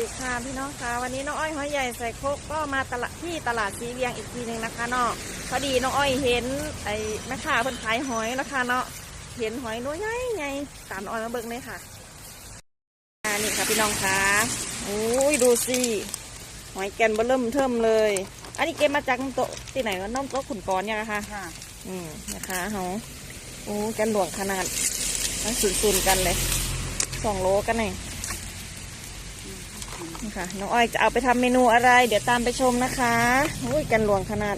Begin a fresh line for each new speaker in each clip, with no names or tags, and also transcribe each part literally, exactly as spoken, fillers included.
ดีค่ะพี่น้องค่ะวันนี้น้องอ้อยหอยใหญ่ใส่โคกก็มาตลาดที่ตลาดสีเวียงอีกทีหนึ่งนะคะเนาะพอดีน้องอ้อยเห็นไอ้แม่ค้าเพิ่นขายหอยนะคะเนาะเห็นหอยน้อยใหญ่ใหญ่ตามน้องอ้อยมาเบิ่งเลยค่ะอ่านี่ค่ะพี่น้องค่ะโอ้ยดูสิหอยแกนเบิ่มเทิมเลยอันนี้เก็บมาจากโต๊ะที่ไหนก็น้องโต๊ะขุนกรเนี่ยนะคะค่ะอืมนะคะเฮาโอ้แกนหลวงขนาดมันสุนๆกันเลยสองโลกันเองนี่ค่ะน้องอ้อยจะเอาไปทำเมนูอะไรเดี๋ยวตามไปชมนะคะอุ้ยกันหลวงขนาด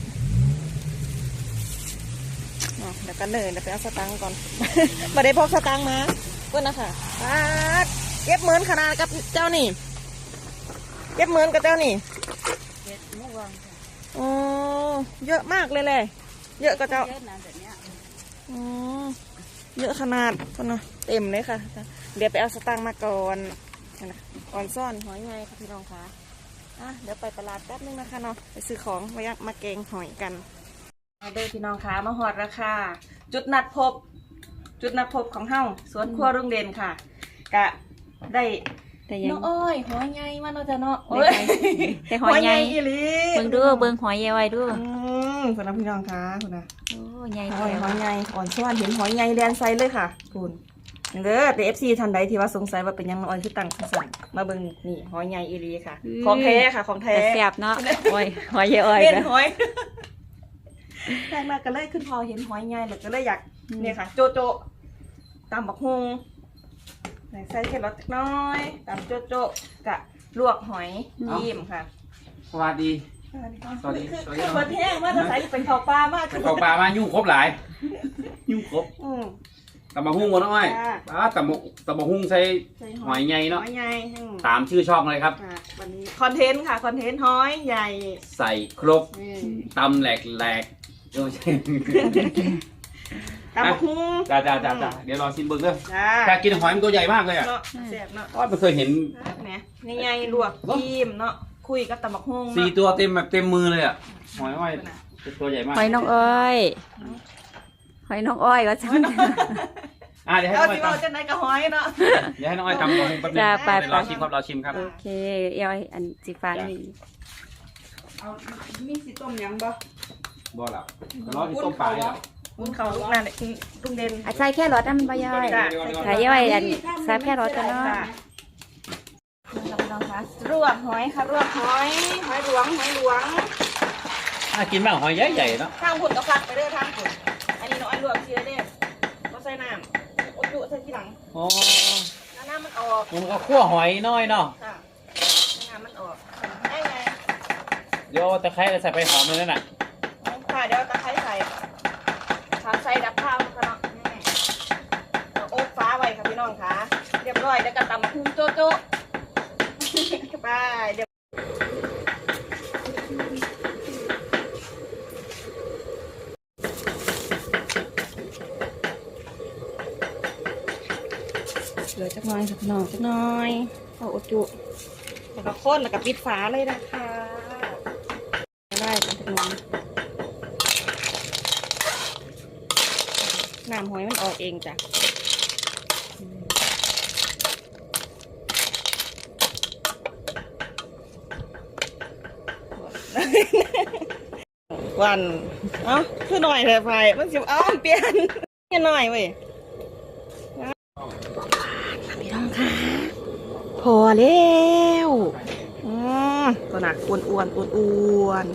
เดี๋ยวกันเลยเดี๋ยวไปเอาสตังค์ก่อน มาได้พกสตังค์มาเพื่อนนะคะเก็บเหมือนขนาดกับเจ้านี่เก็บเหมือนกับเจ้านี่เก็บเมื่อวานอ๋อเยอะมากเลยเลยเยอะกับเจ้าเยอะนะแบบนี้อ๋อเยอะขนาดคนนะเต็มเลยค่ะเดี๋ยวไปเอาสตังค์มาก่อนนะก่อนซ่อนหอยไงค่ะพี่น้องคะอ่ะเดี๋ยวไปตลาดแป๊บนึงนะคะเนาะไปซื้อของไว้มาเกงหอยกันมาเด้อพี่น้องคะมาหอดราคาจุดนัดพบจุดนัดพบของเฮาสวนครัวรุ่งเด่นค่ะกะได้น้องอ้อยหอยไงมาเนาะจ้ะเนาะ
แต่หอยไง
อีหลี
เบิ่งดูเบิ่งหอยใหญ่ไว้ดู
อืมคุณนะพี่น้องคะคุณนะ
โอ้ใหญ่
หอยหอยไงอ่อนช้อนเห็นหอยไงแดนไซเลยค่ะคุณเด้อแต่เอฟซีทันใดที่ว่าสงสัยว่าเป็นยังน้อยคือตั้งสั่งมาเบิ่งนี่หอยใหญ่อีรีค่ะของแท้ค่ะของแท้
แซ่บเนาะหอยหอยใหญ่อ้อย
เป็นหอยแรกมาก็เลยขึ้นพอเห็นหอยใหญ่แล้วก็เลยอยากเนี่ยค่ะโจโจตำบักฮงใส่แครอทน้อยตำโจโจกะลวกหอยยิ้มค่ะ
สวัสดี
สวัสดีคือคือคนแห้งว่าจะใส่เป็นข้าวปลามาก
เป็นข้าวปลามายุ่งครบหลายยุ่งครบตำบักหุ่งหมดน้อยอ่าตำบักตำบักหุ่งใส่หอยใหญ่เนาะตามชื่อช่องเลยครับ
วันนี้คอนเทนต์ค่ะคอนเทนต์หอยใหญ่
ใส่ครบตำแหลกแหลกเดี๋ยว
ตำบักหุ่ง
จ้าจ้าจ้าจ้าเดี๋ยวรอชิมเบิ้งเด้อแต่กินหอยมันตัวใหญ่มากเลยอ่ะ
แซ่บเนาะ
ก็ไม่เคยเห็น
เนี่ยใหญ่ๆลวกยิ้มเนาะคุยกับตำบักหุ่ง
สี่ตัวเต็มแบบเต็มมือเลยอ่ะหอยอ้อยตัวใหญ่มาก
หอยน้องอ้อยหอยน้องอ้อยก็ใช่
อ่าเดี๋ยวให้น้องอ้อย
ทำจะไหนกับหอยเนาะ
เดี๋ยวให้น้องอ้อยทำหอยแป๊บนึงเดี๋ยวรอชิมครับรอชิมครับ
โอเคเออยอันสีฟ้านี่
เอามีสีต้มยังบ่
บ่หรอรอที่ต้มปลาเนี่ย
วุ้นเขาลูกนั่นแหละลุงเด่น
อาใส่แค่รสนั่นใบย่อยใส่ย่อยอันใส่แค่รสกันเนาะ
รวบหอยค่ะรวบหอยหอยหลวงหอยหลวง
อ่ะกินบ้างหอยใหญ่ๆเนาะ
ทางผุดกับผักไปเด้อทางผุดอันนี้น้อยรวบเชียร์เด้อก็ใส่น้ำอุดจุใส่ทีหลัง
อ๋อ
น้ำมันออก
มันก็คั่วหอยน้อยเนาะ
ค่ะน้ำมันออกได้ไง
เดี๋ยวตะไคร้ใส่ไปหอมเลยนั่นน่ะ
ค่ะเดี๋ยวตะไคร้ใส่ขาใส่ดับข้าวค่ะเนาะนี่โอ๊กฟ้าไว้ค่ะพี่น้องค่ะเรียบร้อยแล้วก็ตำคุ้งโจ๊ะโจ๊ะไปเดี๋ยวเหลือจักหน่อยค่ะพี่น้องจักหน่อยเอาอุจุแล้วก็ข้นแล้วก็ปิดฝาเลยนะคะได้ค่ะพี่น้องน้ำหอยมันออกเองจ้ะวันเอ้าคือหน่อยเลยไฟมันสิบเอ้าเปลี่ยนแค่หน่อยเว้ยพี่น้องค่ะพอแล้วอืมตัวหนักอ้วนอ้วนอ้วนอ้วน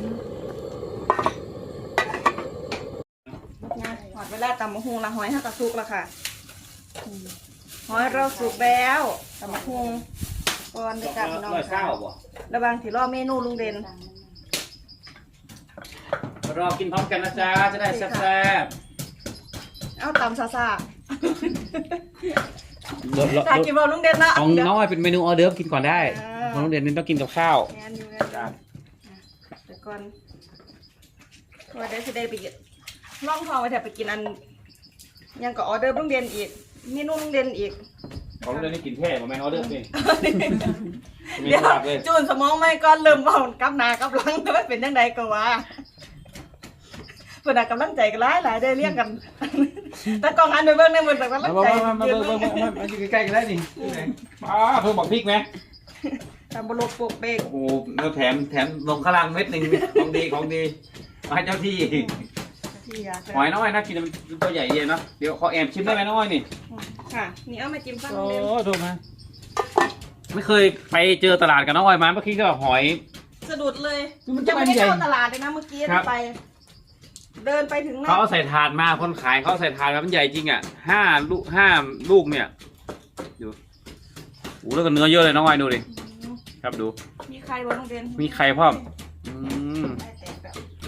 หอดเวลาตำมะฮุงละหอยห้ากระซุกละค่ะหอยเราสุกแล้วตำมะฮุงก่อนเลยจ้ะพี่น้องค่ะระวังที่รอเมนูลุงเด่น
รอกินพร้อมกันนะจ๊ะจะได้แซ่บ
ๆเอาตำซาซาอยากกินบอลลุงเด่นนะ
ของน้องอ้อยเป็นเมนูออเดิร์ฟกินก่อนได้ของลุงเด่นนี่ต้องกินกับข้าว
แต่ก่อนว่าได้จะได้ไปล่องทองไปแถบไปกินอันยังก็ออเดอร์ลุงเด่นอีกเมนูลุงเด่นอีก
ของลุงเด่นนี่กินแค่ผมแม่ออเดิร์ฟเอง
เดี๋ยวจูนสมองไม่ก้อนเริ่มเบากับนากับหลังไม่เป็นยังไงก็ว่าเพื่อนกำลังใจกันหลายหลายได้เรียกกันแต่กองอันไปเบิ้งในมือแต่กำลังใจ
มาเบิ้งมาเบิ้งมาเบิ้งมาอยู่ใกล้ๆกันได้ดิมาเพิ่มบอกพริกไหม
ตำบลกโปกเบก
โอ้โหเนื้อแถมแถมลงข้างล่างเม็ดหนึ่งของดีของดีมาให้เจ้าที่
ที่อยาก
หอยน้อยนะกินมันตัวใหญ่เย็นเนาะเดี๋ยวขอแอบชิมได้ไหมน้อยนี่
ค่ะนี่เอามาจิ้มฟัง
โอ้
เล่ม
ถูกไหมไม่เคยไปเจอตลาดกับน้องอ้อยมาเมื่อกี้ก็หอย
สะดุดเลย
มัน
ยังไม่ได้
ใหญ่
เข้าตลาดเลยนะเมื่อกี้
ครับ
ไป เดินไปถึงหน้า
เขาเอาใส่ถาดมาคนขายเขาเอาใส่ถาดมามันใหญ่จริงอ่ะห้าลูกห้าลูกเนี่ยดูโอ้แล้วก็เนื้อเยอะเลยน้องอ้อยดูดิครับดู
มีใครบ้างน้องเดน
มีไข่พร้อมอืม
ได้แต่แบบ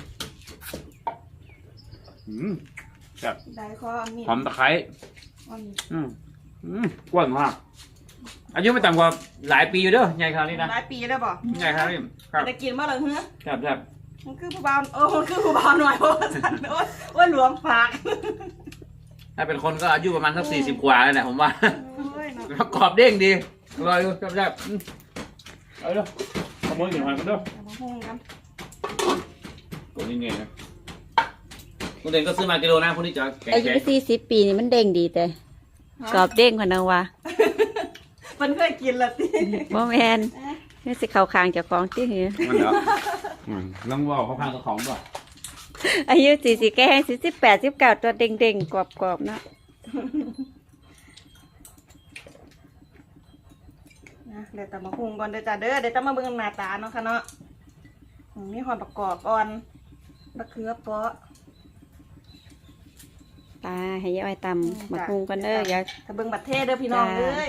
อืมแบบ
ได้ข้อมีด
หอมตะไคร้
อ่อน
อืมอืมกว้างมากอายุไม่ต่ำกว่าหลายปีอยู่เด้อใหญ่ขนาดนี้นะ
หลายปีแล้วบ่
ใหญ่ขนาดนี้ครับ
จะกินเมื่อไหร่เฮ้ย
ครับครับ
มันคือผู้บ่าวโอ้มันคือผู้บ่าวหน่อยโอ้สันโอ้ยโอ้ยหลวงฝาก
ถ้าเป็นคนก็อายุประมาณสักสี่สิบกว่าแล้วแหละผมว่า
โอ้ยเนาะ
ประกอบเด้งดีอร่อยดูครับครับอืมเอาเด้อขโมยกินหอยกันเด้อ
เอามาหุ้งกัน
ตัวนี้เนี่ยนะคุณเด่นก็ซื้อมากิโลนะพวกนี้จะแข็ง
อายุ
แข็ง
สี่สิบปีนี่มันเด้งดีแต่กรอบเด้งกว่านังวะ
มันเคยกินละติ
บ่แมนนี่สิเข้าคางเจ้าของที่เหือ
มันเหรออืมลองบอกเขาข้างตัวของก่อน
อายุสี่สิบแก่สี่สิบแปดสิบเก้าตัวเด้งเด้งๆกรอบกรอบๆเนาะ
นะเดี๋ยวตำมาหุ้งก่อนเดี๋ยวจ้าเด้อเดี๋ยวจะมาเบิ่งหน้าตาเนาะค่ะเนาะอืมมีหอยประกอบอ่อนมะเขือเปาะ
ปลาให้ยายตำหมักหุงกันเด้ออย่า
ถ้าเบิ่งบัตรเทศเด้อพี่น้อง
จ้า
เอ้ย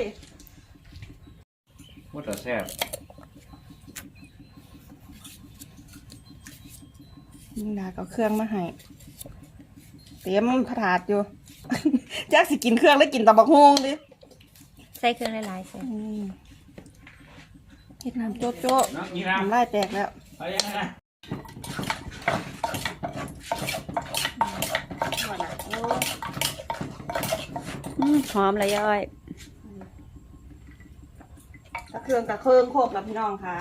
ว่าแต่แซ่บ
นี่นาก็เอาเครื่องมาให้เตรียมผถาดอยู่ จักสิกินเครื่องแล้วกินตำบักฮวงดิ
ใส่เครื่องหลายๆใส่
อืมเฮ็ดน้ำโจ๊ะโจ๊ะ
น้องนี่นะ
น้ำลายแตกแล้ว
ไปยังไงนะ
ว่าน่ะโอ้
อืมหอมเลยยาย
ตะเครื่องตะเครื่องโคกแล้วพี่น้องค่ะ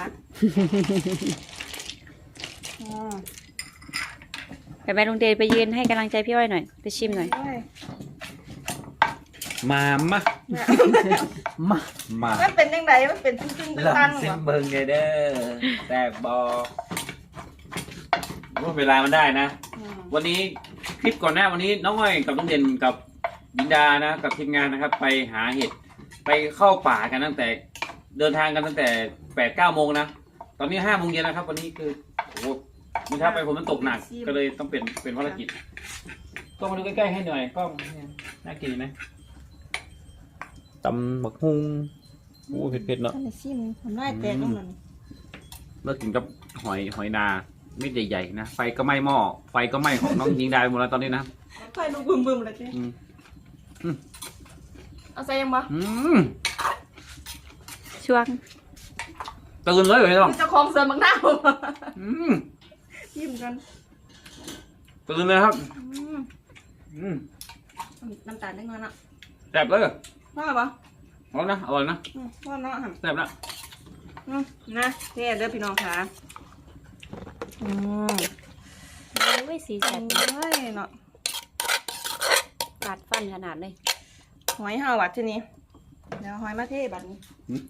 อืม
ไปแม่ลุงเดนไปยืนให้กำลังใจพี่อ้อยหน่อยไปชิมหน่อย
โอ้ย
มามามามา
มันเป็นยังไงมันเป็นซึ้งๆ
ลอ
ตั้
ง
งๆ
ซิ
เหร
ม
อ
เบิงไงเด้อแตกบอกว่าเวลามันได้นะ
อืม
วันนี้คลิปก่อนหน้าวันนี้น้องอ้อยกับน้องเด่นกับบินดานะกับทีมงานนะครับ ไปหาเห็ดไปเข้าป่ากันตั้งแต่เดินทางกันตั้งแต่แปดเก้าโมงนะตอนนี้ห้าโมงเย็นนะครับ วันนี้คือโอ้โหมีท้าไปผมมันตกหนักก็เลยต้องเป็นเป็นภารกิจก็มาดูใกล้ๆให้หน่อยกล้องน่ากินไหมตำบักฮุงโอ้เผ็ดๆเนาะ
อันนี้ซิมน้ำลายแตกแล้วมัน
เลิกกินกับหอยหอยนาเม็ดใหญ่ๆนะไฟก็ไหม้หม้อไฟก็ไหม้ของน้องยิงดาไปหมดแล้วตอนนี้นะ
ไฟลุกบึมๆเลยจ้ะ
อืม
เอาใส่ยังบ่
อืม
ช่วง
ตื่นเลยเหรอน้อง
เจ้าของเสือมังหน้าผม
อืม
ยิ้มกัน
ตื่นเลยครับ
อืม
อืม
น้ำตาลนิดหน่อยนะ
แซ่บเลย
ว่าปะ
อร่อยนะอร่อยนะ
อืมว่าเนาะหั่น
แซ่บนะ
อืมนะนี่เด้อพี่น้องค่ะอืม
โอ้ยสีสัน
เฮ้ยเนาะ
ขาดฟันขนาดเลย
หอยห่อวัดทีนี้เดี๋ยวหอยมาเทบัดนี้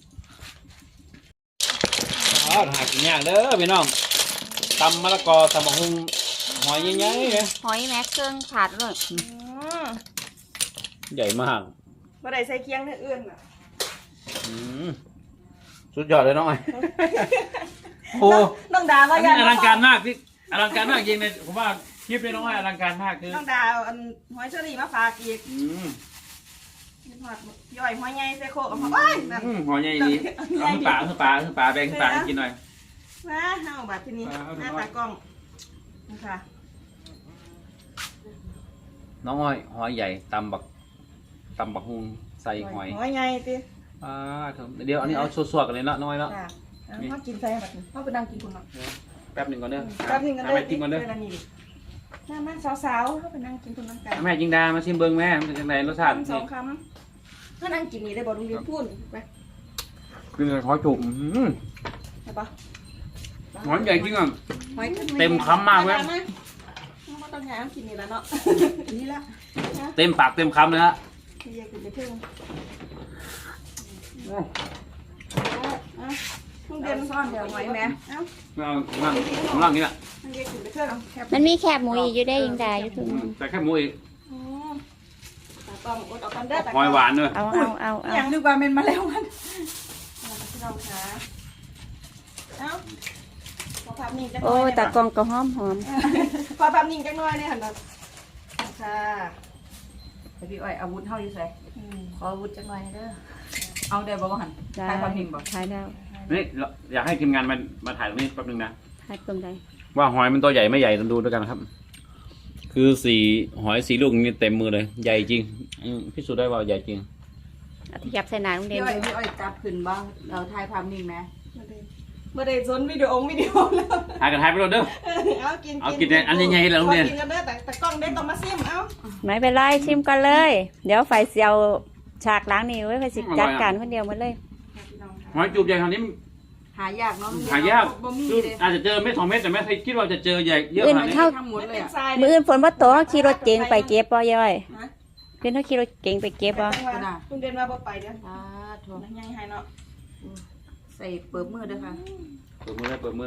อ๋อหากินยากเด้อพี่น้องตำมะละกอตำบักหุ่งหอยใหญ่ๆเนี่ย
หอยแม็กเครื่องขาดเลย
อืม
ใหญ่มาก
บ่ได้ใส่เคียงเท่าอื่นอ่ะ
อืมสุดยอดเลยน้องไอ้โอ้
น้องดา
อั
ว่าน อ
นี้
ยาก
อลังการมากพี่อลังการมากจริงเลยผมว่าคลิปนี้น้องไอ้อลังการมากคือ
น้องดาเอาอันหอยเชอรี่มาฝากอีก
อืม
หอดย่อยหอยใหญ่ใส่โคกกับหอยโอ้ยนั่น
อืมหอยใหญ่ดีเอาขึ้นปลาเอาขึ้นปลาเอาขึ้นปลาแบ่งขึ้นปลาให้กินหน่อย
มาเฮาบัดทีนี้
เอาเอา
หน้าตากล้องนี่ค่ะ
น้องอ้อยหอยใหญ่ตำบักตำบักฮุงใส่หอย
หอยใหญ่ติ
อ่าเดี๋ยวอันนี้เอาสวดๆกันเลยเนาะน้อยเนาะ
ค่ะเอาเขากินใส่บัดนี้เขาไปนั่งกินคุณเนาะ
แป๊บหนึ่งก่อนเด้อ
แป๊บนึงกัน
หา
เด้อ
แม่จิ้มก่อนเด้อ
เวลานี้ดิน้ามันสาวๆเขาไปนั่งกินคุณน้ำกัน
แม่จิงดามาชิมเบิ้งแม่มันเป็นยังไงรสชาติ
คำสองคำถ้านั่งกินนี่ได้บอกลุงดินพูดไป
คือหอยจุ่มอื้อหือ
ใช่ปะ
หอยใหญ่จริงอ่ะ
หอยขึ้น
เต็มคำมากเว้ย
ไม่ต้องหากินนี่แล้วเนาะนี่ละ
เต็มปากเต็มคำเลยฮะ
นี่อยากกินไปเพิ่ง
โอ้
อ่ะลุงเด่นซ่อนเดี๋ยวหอยแม่เอ้า
เอาล่างล่างนี้แหละ
ลุงเด่นขึ้นไปเถอะเอาแคบ
มันมีแคบหมูอีกอยู่ได้ยังได้อยู่ถึง
ใส่แค่หมูอีก
อืมตากล้องอดเอากันเด้อตาก
ห
ล้
อยหวานด้วย
เอาเอาเอาเอา
อย่างนึกว่าเป็นมาแล้วมันพี่น้องคะเอ้าขอภาพนิ่งจังหน่
โอ้
อย
ยตากล้องก็หอมหอม
ขอภาพนิ่งจังหน่อยเนี่ยหันมาค่ะ
พี่อ้อยอาวุธเท่าอยู่ใส่
อืม
ขออาวุธจังหน่อยเด้อเอาได้บ่บ่หัน
ได้
ถ่ายความนิ่งบ่
ถ่ายแล้ว
นี่เราอยากให้ทีมงานมามาถ่ายตรงนี้แป๊บนึงนะ
ถ่ายตรงใด
ว่าหอยมันตัวใหญ่ไม่ใหญ่ลองดูด้วยกันครับ คือสีหอยสีลูกนี่เต็มมือเลยใหญ่จริงอืมพิสูจน์ได้ว่าใหญ่จริง
เอาที่ยับใส่หนาโรงเรีย
พี่
น
อ้อยพี่อ้อยจับขึ้นบ่เราถ่ายความนิ่งไหม
เมื่อใดสนวิดีโอวิดีโอแล้ว
ถ่ายกันถ่ายไปเลยเด้อ
เอากิน
เอากินเนี่ยอันใหญ่ๆเลยโรงเรียน
ขอกินกันเด้อแต่แต่กล้องได้ต้องมาซิมเอ้า
ไม่เป็นไรชิมกันเลย เดี๋ยวไฟเสียวฉากล้างนี่ไว้ไฟสิจัดการคนเดียวหมาเลย
หอยจูบใหญ่ขนาดนี้
หายากเนาะ
หายาก
บ่มีเลย
อาจจะเจอเม็ดสองเม็ดแต่แม่เคยคิดว่าจะเจอใหญ่เยอะขนาดนี้
ทั้งหมดเลย
เป็น
อ่ะ
ทราย
มืออื่นฝนว่าโตเขาขี่รถเก๋งไปเก็บป่ย่อย
ฮะ
เพื่อนเขาขี่รถเก๋งไปเก็บป่
ลุงเด่นมาบ่ไปเด้อ
อ่าโถ
นั่งยังให้เนาะ
ใส่เปิบมือเด้อค่ะ
เปิดมือเลยเปิดมือ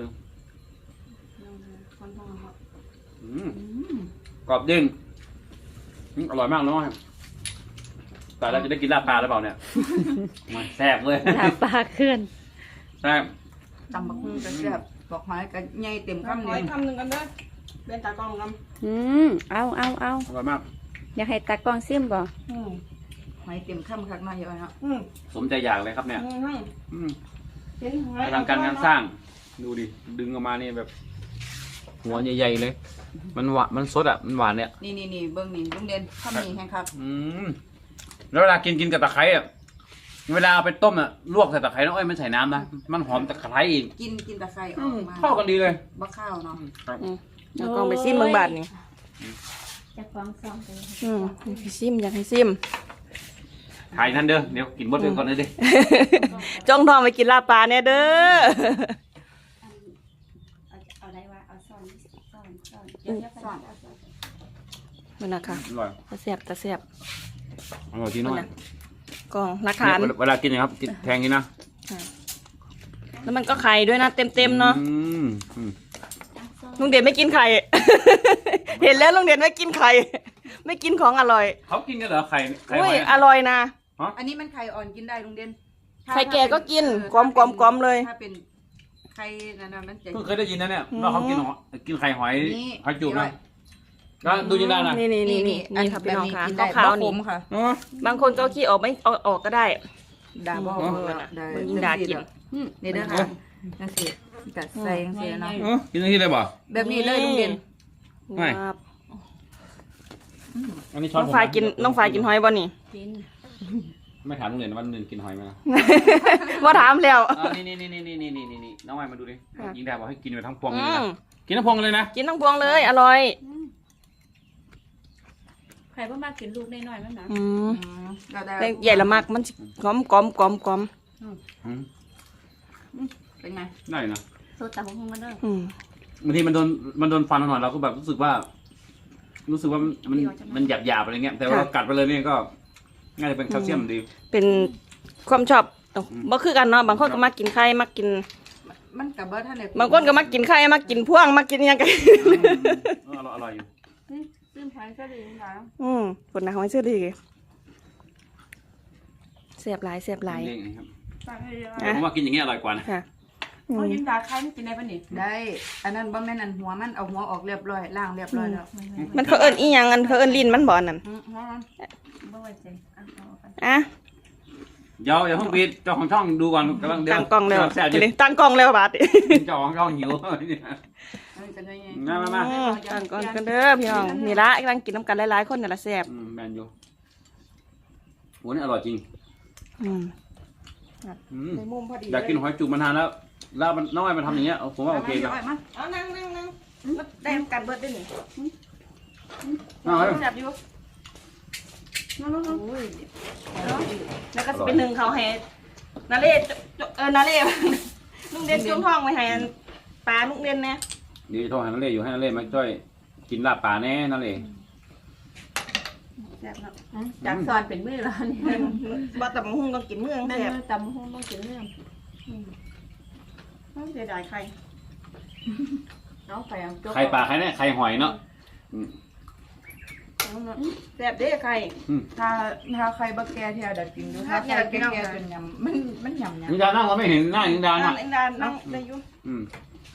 คนทองเนาะ
อืมกรอบเด้งอืมอร่อยมากน้อยแต่เราจะได้กินลาบปลาหรือเปล่าเนี่ยมาแซ่บเลย
หาปลาขึ้น
แซ่บ
ตำบักหุ่งก็แซ่บบอกหอยก็ใหญ่เต็ม
คำ
คำ
หอ
เลย ย
คำหนึ่งกันเด้อเป็นตากล้องกัน
อืมเอาเอาเอา
อร่อยมาก
อยากให้ตากล้องซิมบ่
อืม
หอยเต็มคำคักมาเยอะเนาะ
อืม
สมใจอยากเลยครับเนี่ย
อืม
อืม
เป็นหอย
กำลังการงานสร้าง ดูดิ ดึงออกมานี่แบบ หัวใหญ่ๆเลย มันหวานมันสดอ่ะ มันหวานเนี่ย
นี่นี่นี่เบิ่งนี่ลุงเด่นข้าวมีแห้งคัก
อืม แล้วเวลากินกินกับตะไคร้อ่ะ เวลาเอาไปต้มอ่ะ ลวกใส่ตะไคร้น้องอ้อยมันใส่น้ำนะ มันหอมตะไคร้อีก
กินกินตะไคร้อ
อื
อ
ม
กมา
เข้ากันดีเลย
บ่ข้าวเนาะ
ครับ
ตากล้องไปซิมเมืองบาทนี่
จะฟ้องซ่องไป
อืมอยากให้ซิมอยากให้ซิม
ถ่ายนั่นเด้อ เดี๋ยวกินหมดเลยก่อนเลยดิ
จ้องทองไปกินลาบปลาเนี่ยเด้อ
เอาได้ว่าเอาซ่อนซ่อนซ่อน
ซ่อน
มันนะคะ
อร่อย
ตะเสียบตะเสียบ
อร่อยที่น้อย
กล่องหลักฐาน
เวลากินนะครับกินแทงนี้นะ
แล้วมันก็ไข่ด้วยนะเต็มเต็มๆเนาะ
อืมอืม
ลุงเด่นไม่กินไข่ เห็นแล้วลุงเด่นไม่กินไข่ ไม่กินของอร่อย
เขากินกันเหรอไข่ไข่ห
อุ้
อย ย
อร่อยนะ
อันนี้มันไข่อ่อนกินได้ลุงเด่นถ้า
ไข่แก่ก็กิน
เออก
ลมๆกลมๆเลย
ถ้าเป็นไข่นั่นน่ะมันจะ
เพิ่งเคยได้ยินนะเนี่ย
อืม
ว่าเขากินหอยกินไข่หอย
นี่
หอยจูบนะก็ดูยินได้นะ
นี่นี่นี่นี่
อัน
นี่ค่ะพี่น้องค่ะ
แบบนี้กินได้
ขาว
บ่
ๆ
ข
นี่
มค่ะ
อ๋อบ
างคนก็เอาขี้ออกไม่เอาออกก็ได้
ดาบ่
อืม
เออได้
มันยิ่งดากิน
อืมนี่เด้อค่ะจังซี่กัดใส่จังซี่เนาะ
เออกินอย่างนี้เลยบ่
แบบนี้เลยลุงเด่น
ไม่
ครับ
อันนี้ช้อน
น้อง
ผม
ฝ่ายกินน้องฝ่ายกินหอยบ่นี่
กิน
ไม่ถามลุงเด่นว่าลุงเด่นกินหอยไหมนะ
ว่าถามแล้ว
อ่านี่นี่นี่นี่นี่นี่นี่นี่น้องไม้มาดูดิ
ค่ะ
ยิงดาบอกให้กินไปทั้งพวงเล
อื
ยนะ
ม
กินทั้งพวงเลยนะ
กินทั้งพวงเลยอร่อย
ใครบ่มากินลูกน้อยๆมั้งนะ
อืม
อืมเราได้
แต่ใหญ่ละมากมันสิกลมกลมกลมกลม
อืม
เป็นไง
ได้นะ
โซตาของมันเด้อ
อืม
บางทีมันโดนมันโดนฟันหน่อยเราก็แบบรู้สึกว่า รู้สึกว่ามันมันมันหยาบหยาบๆอะไรเงี้ยแต่ว่าเรากัดไปเลยเนี่ยก็น่าจะเป็นแคลเซียมดี
เป็นความชอบบ่คือกันเนาะบางคนก็มักกินไข่มักกิน
มันกับบ่ท่านได้
บางคนก็มักกินไข่มักกินพ่วงมักกินหยังไง
อืมอร่อยอร่อยอยู่
ซื้อหอยก็ดีค่ะ
อืมคนนะหอยเชื่อดีเสียบหลายเสียบหลาย
นี่ครับ
ฝากให้เยอะ
อ่ะ
ผมว่ากินอย่างเงี้ยอร่อยกว่านะ
ค่ะอืม
เขายินดาไข่มันกินได้ปะนี่ได้ อันนั้นบ่แม่นอันหัวมันเอาหัวออกเรียบร้อยล้างเรียบร้อยแล้ว
มันเขาเอิ้นอีหยังอันเขาเอิ้นลิ้นมันบ่นั่น
อืมหัวมัน
บ่ไว้ใจอ่ะเอาไป
อ่ะ
เดี๋ยวอย่าเพิ่งปิดเจ้าของช่องดูก่อนกำลังเดี๋ยว
ตั้งกล้องแล้ว
แซ่บอ
จะ
ยู่
ได้ตั้งกล้องแล้วบาดนี้
เจ้าของช่องหิว
เออจะได้ไง
มามามา
อืมตั้งกล้องกันเด้อพี่น้องนี่ละกำลังกินน้ำกันหลายๆคนนี่ละแซ่บ
อืมแมนยูโหนี่อร่อยจริง
อืม
อืม
ในมุมพอดี
อยากกินหอยจุกมานานแล้วแล้วมันน้องไอ้มันทำอย่างเงี้ยผมว่าโอเค
เล
นะ
ยมา
เอานั่งนั่งนั่งได้กันเบิดได้นี่
เอาเลย
แซ่บอยู่
น้อง
อุ้ยแล้วก็สิเป็นหนึ่งเขาให้นาเล่จเออนาเล่ ลุงเด่นจุ่มท้องไว้ให้อันปลาลุงเด่นแน่
เดี๋ยวจะโทรหานั่นเลยอยู่ให้นั่นเลยมาช่วยกินลาบป่าแน่นั่นเลย
แซ่บเนาะ
ๆจากซอนเป็นมื้อแล้วนี่
บ่แต่บางหุ่งต้องกินเมือง
นั่น
แซ่บ
ตำหุ้งต้องกินเรื่อง
เสียดายไข่
เอาไข่เอาจก
ไข่ปลาไข่เนี่ยไข่หอยเนาะอืม
แซ่บเด้ไข่
ถ้าถ้าไข่บะแกเทียดัดกินดูถ้าไข่แก่ๆจนยำมันมันยำยำ
นิดานั่งเราไม่เห็นหน้านิดา
นั่
น่ะ
งอินดานั่งได้อยู่
อืม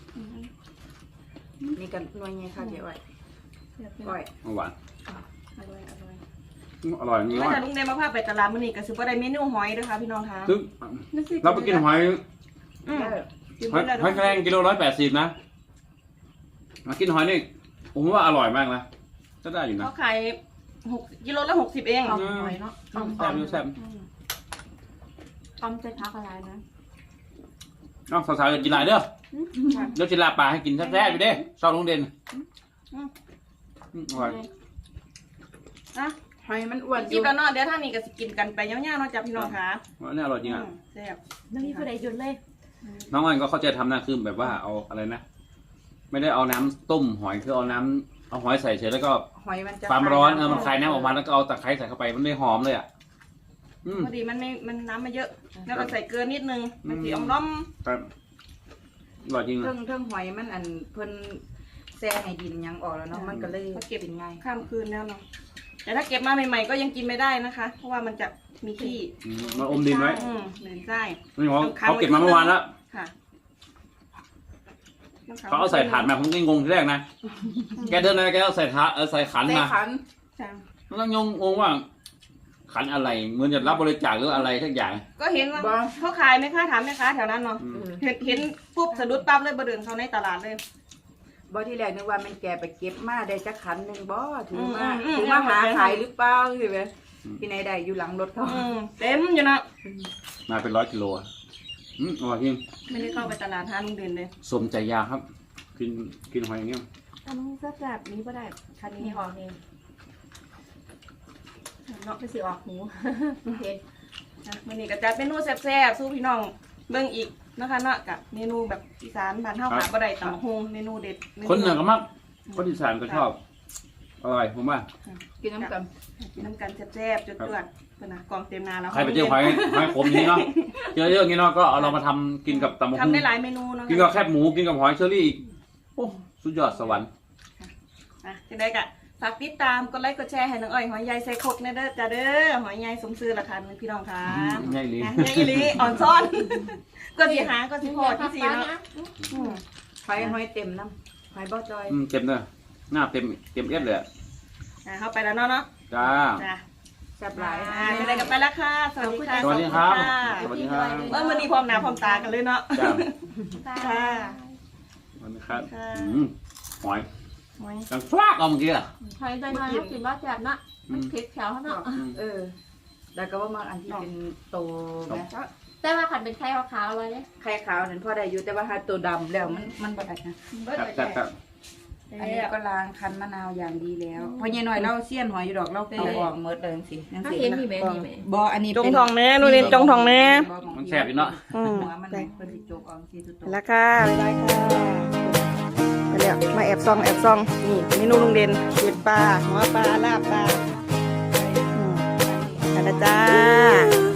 มีกันหน่วยไงค่ะเดี๋ยวไว้ก้อย
หวาน
อร่อยอร่อย
อร่อยนี่
มา
ว่า
จากลุงเดนมาพาไปตลาดมื้อนี้ก็สิบ่ได้เมนูหอยเด้อค่ะพี่น้องค่ะ
ซึ่งเราไปกินหอย
อืมกิน
หอย
เบิด
หอยแครงกิโลร้อยแปดสิบนะมากินหอยนี่ผมว่าอร่อยมากนะก็ได้อยู่นะ
เขาขายหกกิโลละหกสิบเอง
หอยเนาะ
แซ่บอยู่แซ่บ
ต้มใจพักอะไรนะ
น้องสาวๆอย่ากินหลายเด้อเดี๋ยวจิลาปลาให้กินแซ่บๆอยู่เด้ชอบลุงเด่นอืมอร่อย
นะ
หอยมันอ้วนอ
กิน
ยู่
แล้วเนาะเดี๋ยวทางนี้ก็สิกินกันไปยาวๆเนาะจ้ะพี่น้องค่ะ
อันนี้อร่อยจริงอ่ะ
อืมแซ่บ
น้องนี่ผู้ใดหยุดเลย
น้องอ้อยก็เข้าใจทำนะคือแบบว่าเอาอะไรนะ ไม่ได้เอาน้ำต้มหอยคือเอาน้ำเอาหอยใส่เฉยแล้วก็
หอยมันจะ
ความร้อนเออมันคลายน้ำออกมาแล้วก็เอาตะไคร้ใส่เข้าไปมันไม่หอมเลยอ่ะอืม
พอดีมันไม่มันน้ำมาเยอะ แล้วก็ใส่เกลือนิดนึง มันสี
อื
อ
ม
มล้อม
ครับอร่อยจริง
เทิ
นะ
งเทิงหอยมันอันเพิ่นแซ่ให้ดินยังออกแล้วเนาะมันก็เลยเก็บง่าย
ข้ามคืนแล้วเนาะแต่ถ้าเก็บมาใหม่ๆก็ยังกินไม่ได้นะคะ เพราะว่ามันจะมีขี้
อืมมาอมดินไว้
อืมเหม็นไส้
นี่เขาเขาเก็บมาเมื่อวานแล้ว
ค่ะ
เขาเอาใส่ถาดมาผมก็งงที่แรกนะแกเดินอะไรแกเอาใส่ถาดเออใส่ขัน
ใส่
มา
ขัน
จ้ะ
แล้วก็งงงงว่า ขันอะไรเหมือนจะรับบริจาคหรืออะไรทักอย่าง
ก็เห็นว่าเขาขายไหมคะถามไหมคะแถวนั้นเนาะ
อืม
เห็นเห็นปุ๊บสะดุดปั๊บเลยบเดินเขาในตลาดเลย
บ่ที่แรกนึกว่ามันแกไปเก็บมาได้จักขันหนึงบ่ถือมา
อืมอืม
ถือมาหา
อืม
ขายหรือเปล่าสิเว้ยที่ไหนได้อยู่หลังรถเขา
อืมเต็มอยู่นะ
มาเป็นร้อยกิโลอ่ะอืมอร่อยจริง
ไม่ได้เข้าไปตลาดหาลุงเด่นเลย
สมใจยาครับ กินกินหอยอย่างเงี้ย
อันนี้ก็แบบนี้ก็ได้คันนี้ออกเอง
เนาะ
ไม่สิออกหูโอเค
นะวันนี้ก็จัดเมนูแซ่บๆสู้พี่น้องเบิ่งอีกนะคะเนาะกับเมนูแบบอีสานบ้านเฮาขาบ่ได้ตำบักฮงเมนูเด็ดม
คนเหนือก็มักคนอีสานก็ชอบอร่อยผมว่า
กินน้ำกัน
กินน้ำกันแซ่บๆจดๆเพิ่นน่ะกองเต็มนาแล้ว
ใครไปเจอหอยหอยขมอย่างนี้เนาะเจอเยอะอย่างนี้เนาะก็เอาเรามาทำกินกับตำบัก
ทำ
หุ่ง
ได้หลายเมนูเนาะ
กินกับแคบหมูกินกับหอยเชอรี่อีกโอ้สุดยอดสวรรค์
อ่ะจังได๋ก็ฝากติดตามกดไลค์กดแชร์ให้น้องอ้อยหอยใหญ่ใส่ครกแน่เด้อจ้าเด้อหอยใหญ่สมชื่อราคาพี่น้องค่ะ
ง่ายเลย
นะใหญ่อีหลีอ่อนซ่อน ก็สิหาก็สิพอที่สิเนาะอืม
หอยหอยเต็มน้ำหอยบ่จอย
อืมเต็มเลยหน้าเต็มเต็มเอสเลยอะ
อ่ะเข้าไปแล้วเนาะเนาะ
จ้า
จ้ะ
แซ่บหลาย
อ่าจังได๋ก็ไปแล้วค่ะสวัสดีค่ะ
สวัสดีครับ
ขอณ
สวัสดีครับ
เออมื้อนี้พร้อมหน้าพร้อมตากันเลยเนาะ
จ้า
ค่ะ
สวัสดีครับ
ค่ะ
อืมหอย
หอย
ดังฟลากเอาเมื่อกี้อะ
หอยใจน้อยเขากินว่าแซ่บเนาะมันเค็ดแถวเขาเนาะ
อืม
เออแล้วก็ว่ามาอันที่เป็นโตไหม
แต่ว่าขันเป็นไข่ขาวๆเลยเนี่ย
ไข่ขาวนั่นพอได้อยู่แต่ว่าถ้าตัวดำแล้วมันมันบ่ได้นะ
ครับครับครับ
อันนี้ก็ล้างคั้นมะนาวอย่างดีแล้วเพราะยายน้อยเราเสี้ยนหอยอยู่ดอกเราเอาออกหมดเลยจังซี่จัง
ถ้า
ซี่
เห็นมีไหมมีไหม
บ่อันนี้
จงทองแน่นู่นนี่จงทองแน่
มันแซ่บอยู่เนาะ
อืม
หัวมันเพิ่นสิโจกออกสิสุดโต
แล้วค่ะบ๊ายบายค่ะไปแล้วมาแอบซองแอบซองนี่เมนูลุงเด่นเห็ดปลาหัวปลาลาบปลาอืมอันนะจ้า